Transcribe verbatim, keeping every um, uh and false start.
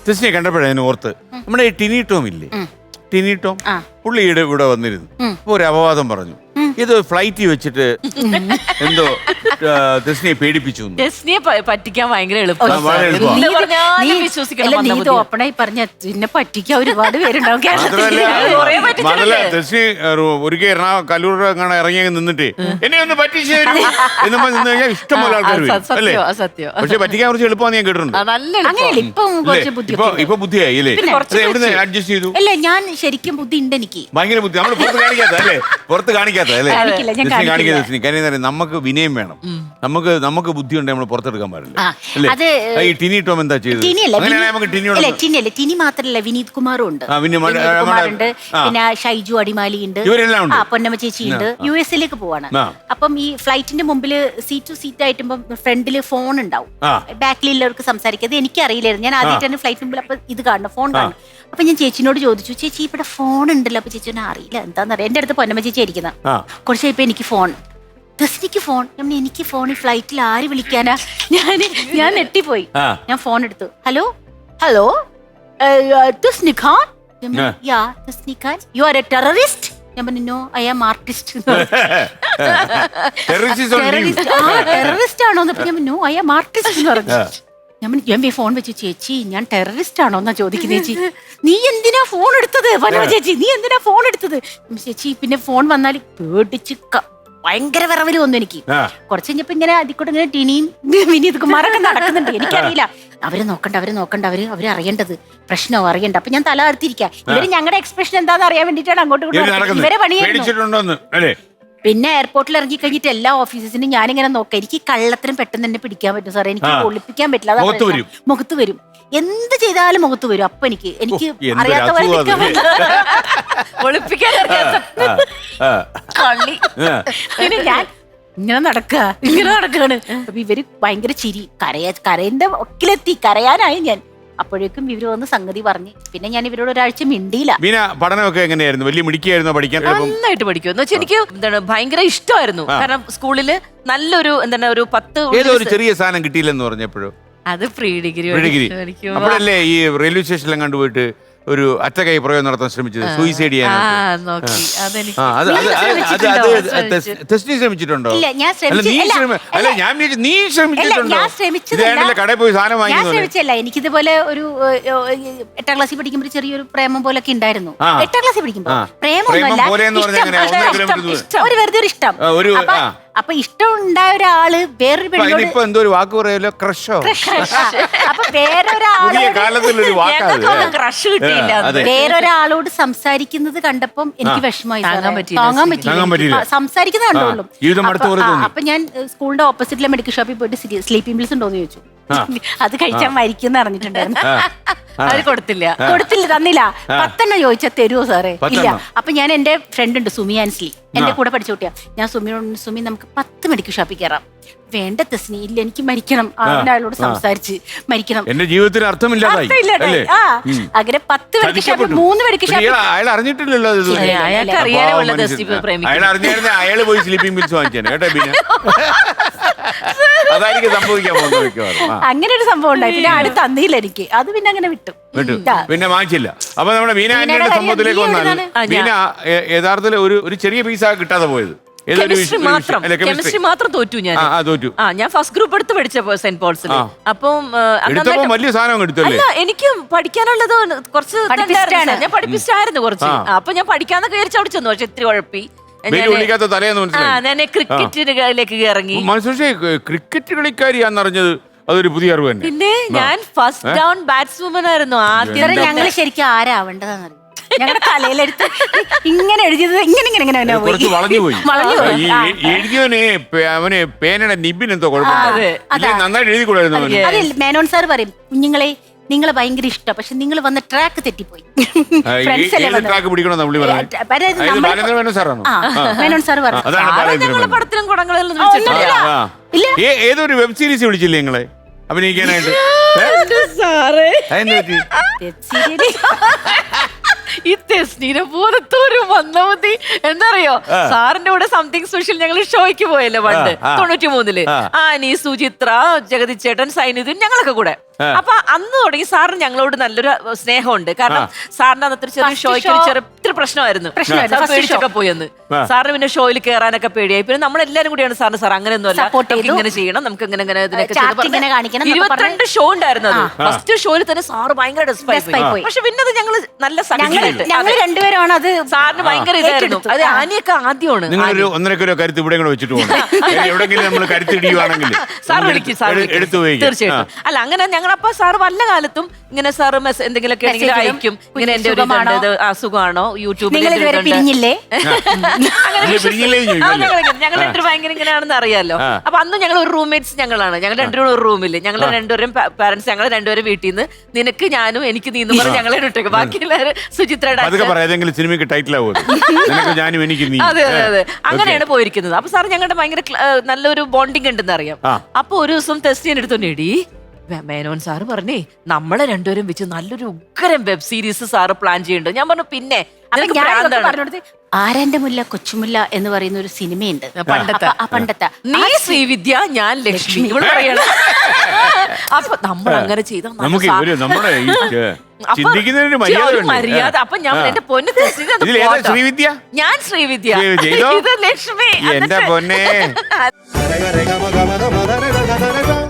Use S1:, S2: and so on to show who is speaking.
S1: തെസ്നിയെ കണ്ടപ്പോഴേ അതിന് ഓർത്ത് നമ്മുടെ ഈ ടിനി ടോം ഇല്ലേ, ടിനി ടോം പുള്ളിയുടെ ഇവിടെ വന്നിരുന്നു. അപ്പൊ ഒരു അപവാദം പറഞ്ഞു, ഇത് ഫ്ലൈറ്റിൽ വെച്ചിട്ട് എന്തോ തെസ്നിയെ പേടിപ്പിച്ചു.
S2: തെസ്നിയെ പറ്റിക്കാൻ ഭയങ്കര
S3: ഓപ്പണായി പറഞ്ഞ പിന്നെ പറ്റിക്കാൻ ഒരുപാട് പേരുണ്ടാവും.
S1: തെസ്നി ഒരിക്കൽ എറണാകുളം കല്ലൂർ അങ്ങനെ ഇറങ്ങി നിന്നിട്ട് എന്നെ ഒന്ന് പറ്റിച്ചു തരൂ എന്ന് നിന്ന് കഴിഞ്ഞാൽ ഇഷ്ടംപോലെ ആൾക്കാർ വരും അല്ലേ. പക്ഷെ പറ്റിക്കാൻ കുറച്ച് എളുപ്പമാണ് ഞാൻ കേട്ടിട്ടുണ്ട്. ഇപ്പൊ ബുദ്ധിയായി അല്ലേ, എവിടുന്ന് അഡ്ജസ്റ്റ് ചെയ്തു?
S3: അല്ല ഞാൻ ശരിക്കും ബുദ്ധി ഉണ്ട് എനിക്ക്,
S1: ഭയങ്കര ബുദ്ധി. നമ്മൾ പുറത്ത് കാണിക്കാത്ത അല്ലേ, പുറത്ത് കാണിക്കാത്ത അല്ലേ, കാണിക്കാത്ത. കാര്യം നമുക്ക് വിനയം വേണം, നമുക്ക് നമുക്ക് ബുദ്ധി ഉണ്ടെങ്കിൽ നമ്മൾ പുറത്തെടുക്കാൻ പാടില്ല അല്ലേ. ഈ ടിനി ടോം എന്താ ചെയ്തത്?
S3: ടിനി മാത്രല്ല വിനീത് കുമാറും ഉണ്ട്, കുമാറുണ്ട്, പിന്നെ ഷൈജു അടിമാലി ഉണ്ട്, പൊന്നമ്മ ചേച്ചി ഉണ്ട്. യു എസ് എയിലേക്ക് പോവാണ്. അപ്പം ഈ ഫ്ലൈറ്റിന്റെ മുമ്പിൽ സീറ്റ് ടു സീറ്റ് ആയിട്ടുമ്പോ ഫ്രണ്ടില് ഫോൺ ഉണ്ടാവും, ബാക്കിലുള്ളവർക്ക് സംസാരിക്കാതെ. എനിക്കറിയില്ലായിരുന്നു, ഞാൻ ആദ്യമായിട്ടാണ് ഫ്ലൈറ്റ് മുമ്പിൽ അപ്പൊ ഇത് കാണണം, ഫോൺ കാണണം. അപ്പൊ ഞാൻ ചേച്ചിനോട് ചോദിച്ചു, ചേച്ചി ഇവിടെ ഫോൺ ഉണ്ടല്ലോ. അപ്പൊ ചേച്ചി അറിയില്ല എന്താന്നറിയാം. എന്റെ അടുത്ത് പൊന്നമ്മ ചേച്ചി ഇരിക്കുന്ന കുറച്ച് കഴിയുമ്പോ എനിക്ക് ഫോൺ, തെസ്നിക്ക് ഫോൺ. എനിക്ക് ഫോൺ ഈ ഫ്ലൈറ്റിൽ ആര് വിളിക്കാനാ? ഞാൻ ഞാൻ നെട്ടിപ്പോയി. ഞാൻ ഫോൺ എടുത്തു, hello hello Thesni Khan. Yeah Thesni Khan, you are a terrorist. ഞാൻ പറഞ്ഞു no, I am artist. Terrorist ആണോ? നോ, ഐ ആം ആർട്ടിസ്റ്റ് എന്ന് പറഞ്ഞു. ഞാൻ ഞാൻ ഫോൺ വെച്ചു, ചേച്ചി ഞാൻ ടെററിസ്റ്റ് ആണോ എന്നാ ചോദിക്കുന്നത്. ചേച്ചി നീ എന്തിനാ ഫോൺ എടുത്തത്? പനമ ചേച്ചി നീ എന്തിനാ ഫോൺ എടുത്തത്? ചേച്ചി പിന്നെ ഫോൺ വന്നാൽ പേടിച്ച് ഭയങ്കര വിറവല് വന്നു എനിക്ക്. കുറച്ച് കഴിഞ്ഞപ്പോ ഇങ്ങനെ അതിക്കൂടെ ഇങ്ങനെ ടിനിയും വിനീത് കുമാറൊക്കെ നടക്കുന്നുണ്ട്. എനിക്കറിയില്ല, അവര് നോക്കണ്ട അവര് നോക്കണ്ട അവര് അവര് അറിയേണ്ടത് പ്രശ്നമോ അറിയണ്ട. അപ്പൊ ഞാൻ തല അർത്തിരിക്കാം. ഇവര് ഞങ്ങളുടെ എക്സ്പ്രഷൻ എന്താന്ന് അറിയാൻ വേണ്ടിട്ടാണ് അങ്ങോട്ട് ഇവരെ പണിയായിരുന്നു. പിന്നെ എയർപോർട്ടിൽ ഇറങ്ങി കഴിഞ്ഞിട്ട് എല്ലാ ഓഫീസസിനും ഞാനിങ്ങനെ നോക്കാം. എനിക്ക് കള്ളത്തിനും പെട്ടെന്ന് തന്നെ പിടിക്കാൻ പറ്റും സാറേ, എനിക്ക് ഒളിപ്പിക്കാൻ പറ്റില്ല. മുഖത്ത് വരും, എന്ത് ചെയ്താലും മുഖത്ത് വരും. അപ്പൊ എനിക്ക് എനിക്ക് അറിയാത്ത ഒളിപ്പിക്കാൻ പിന്നെ ഞാൻ ഇങ്ങനെ നടക്കുക ഇങ്ങനെ നടക്കുകയാണ്. അപ്പൊ ഇവര് ഭയങ്കര ചിരി, കരയ കരയിന്റെ ഒക്കിലെത്തി, കരയാനായി ഞാൻ. അപ്പോഴേക്കും ഇവര് വന്ന് സംഗതി പറഞ്ഞ് പിന്നെ ഞാൻ ഇവരോട് ഒരാഴ്ച മിണ്ടിയില്ല.
S1: പഠനമൊക്കെ എങ്ങനെയായിരുന്നു? വലിയ മിടിക്കായിരുന്നോ പഠിക്കാൻ?
S2: നന്നായിട്ട് പഠിക്കും എന്ന് വെച്ചാൽ എനിക്ക് എന്താണ് ഭയങ്കര ഇഷ്ടമായിരുന്നു. കാരണം സ്കൂളില് നല്ലൊരു എന്താണ് ഒരു പത്ത്
S1: ഏതോ ഒരു ചെറിയ സാധനം കിട്ടിയില്ലെന്ന് പറഞ്ഞപ്പോഴോ?
S2: അത് പ്രീ ഡിഗ്രി
S1: ഡിഗ്രി അപ്പോഴല്ലേ ഈ റെയിൽവേ സ്റ്റേഷനിലും കണ്ടുപോയിട്ട് ഒരു അറ്റകൈ പ്രയോഗം നടത്താൻ ശ്രമിച്ചത്, സൂയിസൈഡ് ചെയ്യാൻ. തെസ്നി ശ്രമിച്ചിട്ടുണ്ടോ?
S3: അല്ല ഞാൻ
S1: നീ ശ്രമിച്ചിട്ടുണ്ടോ? കടയിൽ പോയി സാധനം വാങ്ങി
S3: ശ്രമിച്ചല്ല. എനിക്കിതുപോലെ ഒരു എട്ടാം ക്ലാസ്സിൽ പഠിക്കുമ്പോൾ ചെറിയൊരു പ്രേമം പോലൊക്കെ ഉണ്ടായിരുന്നു. എട്ടാം ക്ലാസ്സിൽ പഠിക്കുമ്പോ പ്രേമൊന്നുമല്ല, ഒരു വെറുതെ ഒരു ഇഷ്ടം. അപ്പൊ ഇഷ്ടം ഉണ്ടായ ഒരാള് വേറൊരു പെണ്ണോട്
S1: എന്തോ ഒരു വാക്ക് പറയല്ലോ, ക്രഷോ.
S3: അപ്പൊ വേറൊരാള് വേറൊരാളോട് സംസാരിക്കുന്നത് കണ്ടപ്പം എനിക്ക് വിഷമമായി, താങ്ങാൻ പറ്റില്ല. സംസാരിക്കുന്നത് കണ്ടോളും. അപ്പൊ ഞാൻ സ്കൂളിന്റെ ഓപ്പോസിറ്റിലെ മെഡിക്കൽ ഷോപ്പിൽ പോയിട്ട് സ്ലീപ്പിംഗ് പിൽസ് ഉണ്ടോന്ന് ചോദിച്ചു. അത് കഴിച്ചാൽ മരിക്കും അറിഞ്ഞിട്ടുണ്ടായിരുന്നു.
S2: അത് കൊടുത്തില്ല
S3: കൊടുത്തില്ല തന്നില്ല. പത്തെണ്ണം ചോദിച്ചാൽ തരുമോ സാറേ? ഇല്ല. അപ്പൊ ഞാൻ എന്റെ ഫ്രണ്ട് ഉണ്ട് സുമി ആൻസ്ലി, എന്റെ കൂടെ പഠിച്ച കുട്ടിയാ. ഞാൻ സുമിയോട്, സുമി നമുക്ക് പത്ത് മെഡിക്കൽ ഷോപ്പിൽ കയറാം. വേണ്ട തെസ്നി, ഇല്ല എനിക്ക് മരിക്കണം. അയാളോട് സംസാരിച്ച് മരിക്കണം,
S1: എന്റെ ജീവിതത്തിന് അർത്ഥമില്ലാതായി.
S3: അങ്ങനെ പത്ത് മെഡിക്കൽ ഷോപ്പിൽ മൂന്ന് മെഡിക്കൽ ഷോപ്പിൽ
S1: അയാൾ അറിഞ്ഞിട്ടില്ലല്ലോ. അയാള് പോയി സ്ലീപ്പിംഗ് പിൽസ് വാങ്ങിച്ചാണ് കേട്ടോ. പിന്നെ അതായിരിക്കും സംഭവിക്കാൻ പോകുന്നത്.
S3: അങ്ങനെ ഒരു സംഭവം ഉണ്ടായി. പിന്നെ അടുത്ത് തന്നില്ല എനിക്ക്, അത് പിന്നെ അങ്ങനെ വിട്ടു
S1: വിട്ടു പിന്നെ വാങ്ങിച്ചില്ല. അപ്പൊ നമ്മുടെ മീന ആന്റിയുടെ സംഭവത്തിലേക്ക് വന്നാൽ മീന യഥാർത്ഥത്തിൽ ഒരു ഒരു ചെറിയ പീസാ കിട്ടാതെ പോയത്.
S2: കെമിസ്ട്രി മാത്രം തോറ്റു ഞാൻ. ആ ഞാൻ ഫസ്റ്റ് ഗ്രൂപ്പ് എടുത്ത് പഠിച്ചപ്പോ സെന്റ് പോൾസിൽ. അപ്പം
S1: വലിയ സാധനം എടുത്തല്ലേ?
S2: എനിക്ക് പഠിക്കാനുള്ളത് കുറച്ച് ഞാൻ പഠിപ്പിച്ചായിരുന്നു കുറച്ച്. അപ്പൊ ഞാൻ പഠിക്കാന്നൊക്കെ വിചാരിച്ചു അവിടെ ചെന്നു. പക്ഷെ ഇത്തിരി കുഴപ്പി ഞാൻ ക്രിക്കറ്റിലേക്ക് ഇറങ്ങി.
S1: ക്രിക്കറ്റ് കളിക്കാരിയാന്നറിഞ്ഞത് അതൊരു പുതിയ അറിവ് തന്നെ.
S2: പിന്നെ ഞാൻ ഫസ്റ്റ് ഡൗൺ ബാറ്റ്സ്വുമൻ ആയിരുന്നു ആദ്യം.
S3: ഞങ്ങൾ ശരിക്കും ആരാവേണ്ടതെന്നറിയാം. ഞങ്ങളുടെ തലയിലെടുത്ത് ഇങ്ങനെ എഴുതിയത് ഇങ്ങനെ ഇങ്ങനെ ഇങ്ങനെ
S1: കുറച്ച് വളഞ്ഞു പോയി. എഴുതിയവനെ അവന് പേനയുടെ നിബിൻ എന്തോ കുഴപ്പമില്ല, നന്നായിട്ട് എഴുതി കൂടായിരുന്നു.
S3: അതെ, മേനോൻ സാർ പറയും, കുഞ്ഞുങ്ങളെ നിങ്ങളെ ഭയങ്കര ഇഷ്ടം, പക്ഷെ നിങ്ങൾ വന്ന ട്രാക്ക് തെറ്റിപ്പോയി. മേനോൻ സാർ പറഞ്ഞു
S2: പടത്തിലും കുടങ്ങളിലും
S1: ഏതൊരു വെബ് സീരീസ് വിളിച്ചില്ലേ നിങ്ങളെ അഭിനയിക്കാനായിട്ട്?
S2: ഈ തെസ്നീനെ പോലത്തെ ഒരു മന്ദമതി എന്താറിയോ, സാറിന്റെ കൂടെ സംതിങ് സ്പെഷ്യൽ ഞങ്ങൾ ഷോയ്ക്ക് പോയല്ലോ പണ്ട് തൊണ്ണൂറ്റി മൂന്നില്. ആനി, സുചിത്ര, ജഗതി ചേട്ടൻ, സൈനിധൻ, ഞങ്ങളൊക്കെ കൂടെ. അപ്പൊ അന്ന് തുടങ്ങി സാറിന് ഞങ്ങളോട് നല്ലൊരു സ്നേഹമുണ്ട്. കാരണം സാറിന്റെ അന്നത്തെ ഒരു ചെറിയ ഷോയ്ക്ക് ഒരു ചെറിയ ഇത്തിരി പ്രശ്നമായിരുന്നു. സാർ പേടിച്ചൊക്കെ പോയെന്ന്. സാറിന് പിന്നെ ഷോയിൽ കയറാനൊക്കെ പേടിയായി. പിന്നെ നമ്മളെല്ലാരും കൂടിയാണ് സാറിന് സാർ അങ്ങനെയൊന്നുമല്ല, ഇങ്ങനെ ചെയ്യണം, നമുക്ക് ഇങ്ങനെ ഇങ്ങനെ ഇതിനൊക്കെ ഇരുപത്തിരണ്ട് ഷോ ഉണ്ടായിരുന്നു. അത് ഫസ്റ്റ് ഷോയിൽ തന്നെ സാറ് ഭയങ്കര ഡെസ്പായി. പക്ഷെ പിന്നെ അത് ഞങ്ങള് നല്ല സഹിച്ചിട്ട്
S3: ഞങ്ങൾ രണ്ടുപേരാണ് അത്
S2: സാറിന് ഭയങ്കര ഇതായിരുന്നു. അത് ആനയൊക്കെ ആദ്യമാണ്.
S1: നിങ്ങളൊരു ഒന്നരക്കൊരു കരുത്ത് ഇവിടെ കൂടെ വെച്ചിട്ട് പോകണം. എവിടെങ്കിലും നമ്മൾ കരുത്തിടിയുവാണെങ്കിൽ
S2: സാർ വിളിക്കും, സാർ തീർച്ചയായിട്ടും. അല്ല അങ്ങനെ ഞങ്ങളപ്പോ സാറ് വല്ല കാലത്തും ഇങ്ങനെ സാറ് എന്തെങ്കിലുമൊക്കെ അയക്കും, ഇങ്ങനെ എന്റെ ഒരു അസുഖമാണോ യൂട്യൂബിൽ
S3: പിരിഞ്ഞില്ലേ
S2: ഞങ്ങൾ രണ്ടു ഭയങ്കര ഇങ്ങനെയാണെന്ന് അറിയാലോ. അപ്പൊ അന്ന് ഞങ്ങൾ ഒരു റൂംമേറ്റ്സ് ഞങ്ങളാണ്. ഞങ്ങൾ രണ്ടുപേരും ഒരു റൂമില്, ഞങ്ങൾ രണ്ടുപേരും പാരന്റ്സ്, ഞങ്ങൾ രണ്ടുപേരും വീട്ടിൽ നിന്ന് നിനക്ക് ഞാനും എനിക്ക് നീന്ന് പറഞ്ഞ് ഞങ്ങളെ ഇട്ടേക്ക്. ബാക്കി എല്ലാവരും സുചിത്രയുടെ
S1: സിനിമയ്ക്ക് ടൈറ്റിൽ ആവും.
S2: അതെ അതെ അതെ അങ്ങനെയാണ് പോയിരിക്കുന്നത്. അപ്പൊ സാർ ഞങ്ങളുടെ ഭയങ്കര നല്ലൊരു ബോണ്ടിങ് ഉണ്ടെന്ന് അറിയാം. അപ്പൊ ഒരു ദിവസം ടെസ്റ്റ് ചെയ്യാൻ എടുത്തോണ്ടേടി മേനോൻ സാറ് പറഞ്ഞേ നമ്മളെ രണ്ടുപേരും വെച്ച് നല്ലൊരു ഉഗ്രം വെബ് സീരീസ് സാറ് പ്ലാൻ ചെയ്യുന്നുണ്ട്. ഞാൻ പറഞ്ഞു പിന്നെ
S3: ആരാന്റെ മുല്ല കൊച്ചുമുല്ല എന്ന് പറയുന്ന ഒരു സിനിമയുണ്ട്
S2: പണ്ടത്തെ.
S3: പണ്ടത്തെ
S2: നീ ശ്രീവിദ്യ ഞാൻ ലക്ഷ്മി ഇവിടെ പറയണം. അപ്പൊ നമ്മൾ അങ്ങനെ ചെയ്ത മര്യാദ. അപ്പൊ ഞാൻ എന്റെ പൊന്ന്
S1: ശ്രീവിദ്യ,
S2: ഞാൻ ശ്രീവിദ്യ, ഇത് ലക്ഷ്മി.
S1: എന്റെ പൊന്നെ.